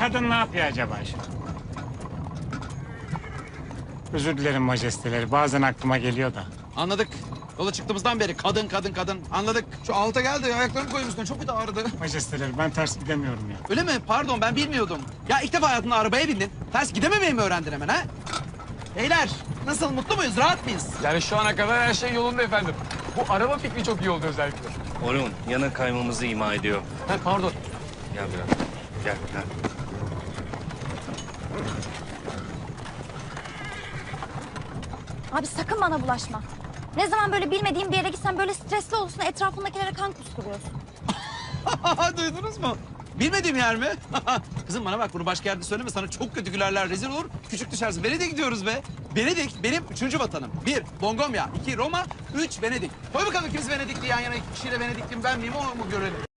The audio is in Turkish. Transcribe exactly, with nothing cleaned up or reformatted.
kadın ne yapıyor acaba şu an? Özür dilerim majesteleri. Bazen aklıma geliyor da. Anladık. Yola çıktığımızdan beri kadın kadın kadın. Anladık. Şu alta geldi. Ayaklarımı koyayım üstüne. Çok kötü ağrıdı. Majesteleri ben ters gidemiyorum ya. Öyle mi? Pardon ben bilmiyordum. Ya ilk defa hayatında arabaya bindin. Ters gidememeyi mi öğrendin hemen ha? Beyler nasıl mutlu muyuz? Rahat mıyız? Yani şu ana kadar her şey yolunda efendim. Bu araba fikri çok iyi oldu özellikle. Orun yana kaymamızı ima ediyor. Ha, pardon. Gel biraz. Gel gel. Abi sakın bana bulaşma. Ne zaman böyle bilmediğim bir yere gitsen böyle stresli olursun, etrafındakilere kan kusturuyorsun. Duydunuz mu? Bilmediğim yer mi? Kızım bana bak bunu başka yerde söyleme. Sana çok kötü gülerler, rezil olur. Küçük düşersin. Venedik'e gidiyoruz be. Venedik benim üçüncü vatanım. Bir, Bongomya. iki Roma. Üç, Venedik. Koy bakalım ikimiz Venedikli yan yana. İki kişiyle Venedikliyim ben miyim onu mu görelim?